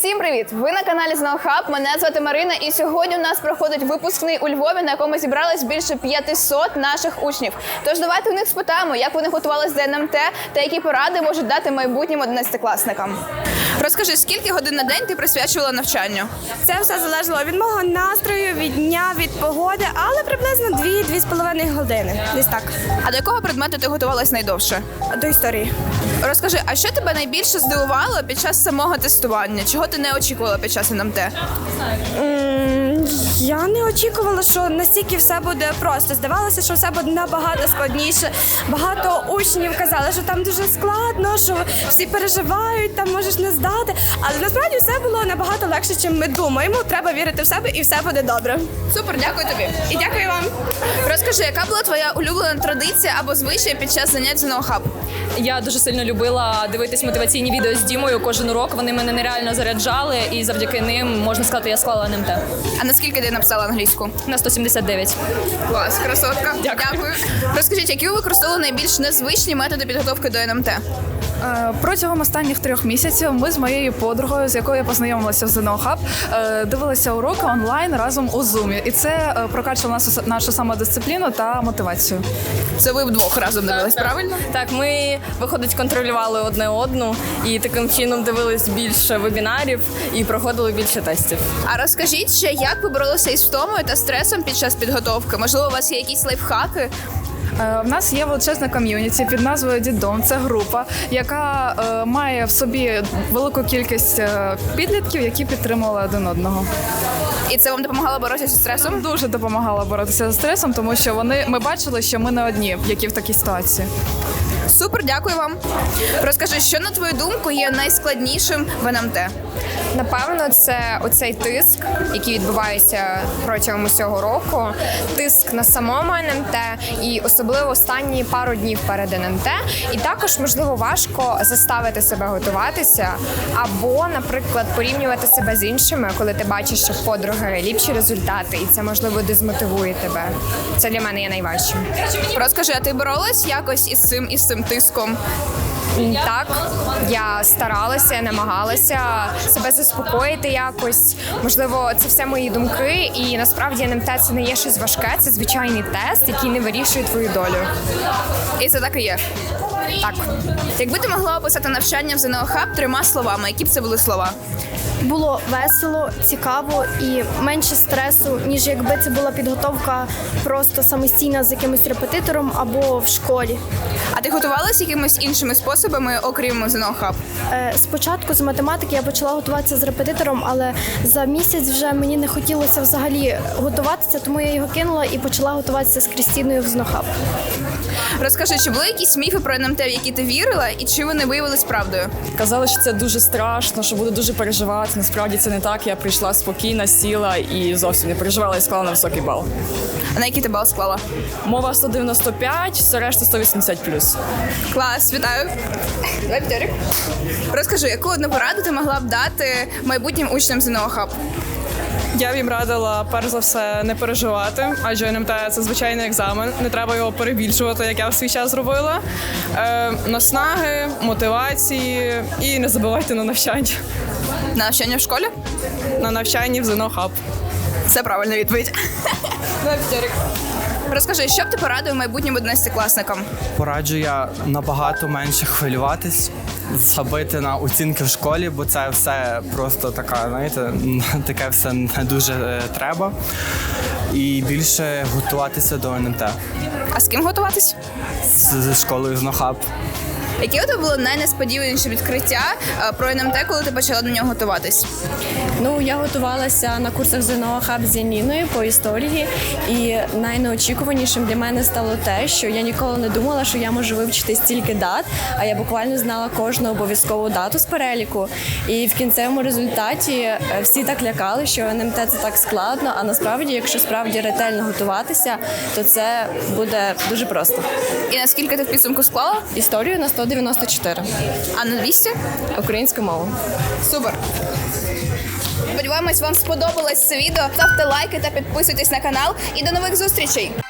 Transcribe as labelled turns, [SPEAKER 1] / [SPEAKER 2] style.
[SPEAKER 1] Всім привіт! Ви на каналі ЗНО Хаб. Мене звати Марина, і сьогодні у нас проходить випускний у Львові, на якому зібралось більше 500 наших учнів. Тож давайте у них спитаємо, як вони готувалися до НМТ та які поради можуть дати майбутнім 11-класникам. Розкажи, скільки годин на день ти присвячувала навчанню?
[SPEAKER 2] Це все залежало від мого настрою, від дня, від погоди, але приблизно 2-2,5 години. Десь так.
[SPEAKER 1] А до якого предмету ти готувалась найдовше?
[SPEAKER 2] До історії.
[SPEAKER 1] Розкажи, а що тебе найбільше здивувало під час самого тестування? Чого ти не очікувала під час НМТ?
[SPEAKER 2] Я не очікувала, що настільки все буде просто. Здавалося, що все буде набагато складніше. Багато учнів казали, що там дуже складно, що всі переживають, там можеш не здати. Але насправді все було набагато легше, ніж ми думаємо. Треба вірити в себе і все буде добре.
[SPEAKER 1] Супер, дякую тобі.
[SPEAKER 2] І дякую вам.
[SPEAKER 1] Розкажи, яка була твоя улюблена традиція або звичай під час занять ЗНО Хаб?
[SPEAKER 3] Я дуже сильно любила дивитись мотиваційні відео з Дімою кожен урок. Вони мене нереально заряджали, і завдяки ним, можна сказати, я склала НМТ.
[SPEAKER 1] А наскільки ти написала англійську?
[SPEAKER 3] На 179.
[SPEAKER 1] Клас, красотка.
[SPEAKER 3] Дякую.
[SPEAKER 1] Розкажіть, які ви використовували найбільш незвичні методи підготовки до НМТ?
[SPEAKER 4] Протягом останніх 3 місяців ми з моєю подругою, з якою я познайомилася в ЗНО Хаб, дивилися уроки онлайн разом у Zoom. І це прокачувало нашу самодисципліну та мотивацію.
[SPEAKER 1] Це ви вдвох разом дивились, правильно?
[SPEAKER 3] Так, ми, виходить, контролювали одне одну і таким чином дивились більше вебінарів і проходили більше тестів.
[SPEAKER 1] А розкажіть ще, як ви боролися із втомою та стресом під час підготовки? Можливо, у вас є якісь лайфхаки?
[SPEAKER 4] В нас є величезна ком'юніті під назвою «Дідом». Це група, яка має в собі велику кількість підлітків, які підтримували один одного.
[SPEAKER 1] І це вам допомагало боротися зі стресом?
[SPEAKER 4] Дуже допомагало боротися з стресом, тому що ми бачили, що ми не одні, які в такій ситуації.
[SPEAKER 1] Супер, дякую вам. Розкажи, що, на твою думку, є найскладнішим в НМТ?
[SPEAKER 5] Напевно, це оцей тиск, який відбувається протягом усього року, тиск на самому НМТ і особливо останні пару днів перед НМТ. І також, можливо, важко заставити себе готуватися або, наприклад, порівнювати себе з іншими, коли ти бачиш, що в подруги ліпші результати, і це, можливо, дезмотивує тебе. Це для мене є найважчим.
[SPEAKER 1] Розкажи, а ти боролась якось із цим тиском?
[SPEAKER 5] Так, я старалася, я намагалася себе заспокоїти якось. Можливо, це все мої думки, і насправді НМТ це не є щось важке, це звичайний тест, який не вирішує твою долю.
[SPEAKER 1] І це так і є?
[SPEAKER 5] Так.
[SPEAKER 1] Якби ти могла описати навчання в ЗНО Хаб 3 словами, які б це були слова?
[SPEAKER 6] Було весело, цікаво і менше стресу, ніж якби це була підготовка просто самостійна з якимось репетитором або в школі.
[SPEAKER 1] А ти готувалась якимись іншими способами, окрім ЗНО Хаб?
[SPEAKER 6] Спочатку з математики я почала готуватися з репетитором, але за місяць вже мені не хотілося взагалі готуватися, тому я його кинула і почала готуватися з Крістіною в ЗНО Хаб.
[SPEAKER 1] Розкажи, чи були якісь міфи про НМТ, в які ти вірила, і чи вони виявились правдою?
[SPEAKER 3] Казали, що це дуже страшно, що буду дуже переживати. Насправді це не так. Я прийшла спокійно, сіла і зовсім не переживала і склала на високий бал.
[SPEAKER 1] А на який ти бал склала?
[SPEAKER 3] Мова 195, все решта 180+.
[SPEAKER 1] Клас, вітаю. Давай п'ятерик. Розкажи, яку одну пораду ти могла б дати майбутнім учням ЗНО Хаб?
[SPEAKER 7] Я б їм радила, перш за все, не переживати, адже НМТ – це звичайний екзамен, не треба його перебільшувати, як я в свій час зробила. Наснаги, мотивації і не забувайте на навчання.
[SPEAKER 1] На навчання в школі?
[SPEAKER 7] На навчанні в ЗНО Хаб.
[SPEAKER 1] Це правильна відповідь. Давай п'ятерик. Розкажи, що б ти порадив майбутнім 11-класникам?
[SPEAKER 8] Пораджу я набагато менше хвилюватись, забити на оцінки в школі, бо це все просто така, знаєте, таке все не дуже треба. І більше готуватися до НМТ.
[SPEAKER 1] А з ким готуватись?
[SPEAKER 8] З школою ЗНО Хаб.
[SPEAKER 1] Яке у тебе було найнесподіваніше відкриття про НМТ, коли ти почала до нього готуватись?
[SPEAKER 9] Ну, я готувалася на курсах ЗНО Хаб з Яніною по історії, і найнеочікуванішим для мене стало те, що я ніколи не думала, що я можу вивчити стільки дат, а я буквально знала кожну обов'язкову дату з переліку. І в кінцевому результаті всі так лякали, що НМТ це так складно, а насправді, якщо справді ретельно готуватися, то це буде дуже просто.
[SPEAKER 1] І наскільки ти в підсумку склала?
[SPEAKER 9] Історію на 194.
[SPEAKER 1] А на 200?
[SPEAKER 9] Українську мову.
[SPEAKER 1] Супер! Сподіваємось, вам сподобалось це відео. Ставте лайки та підписуйтесь на канал. І до нових зустрічей!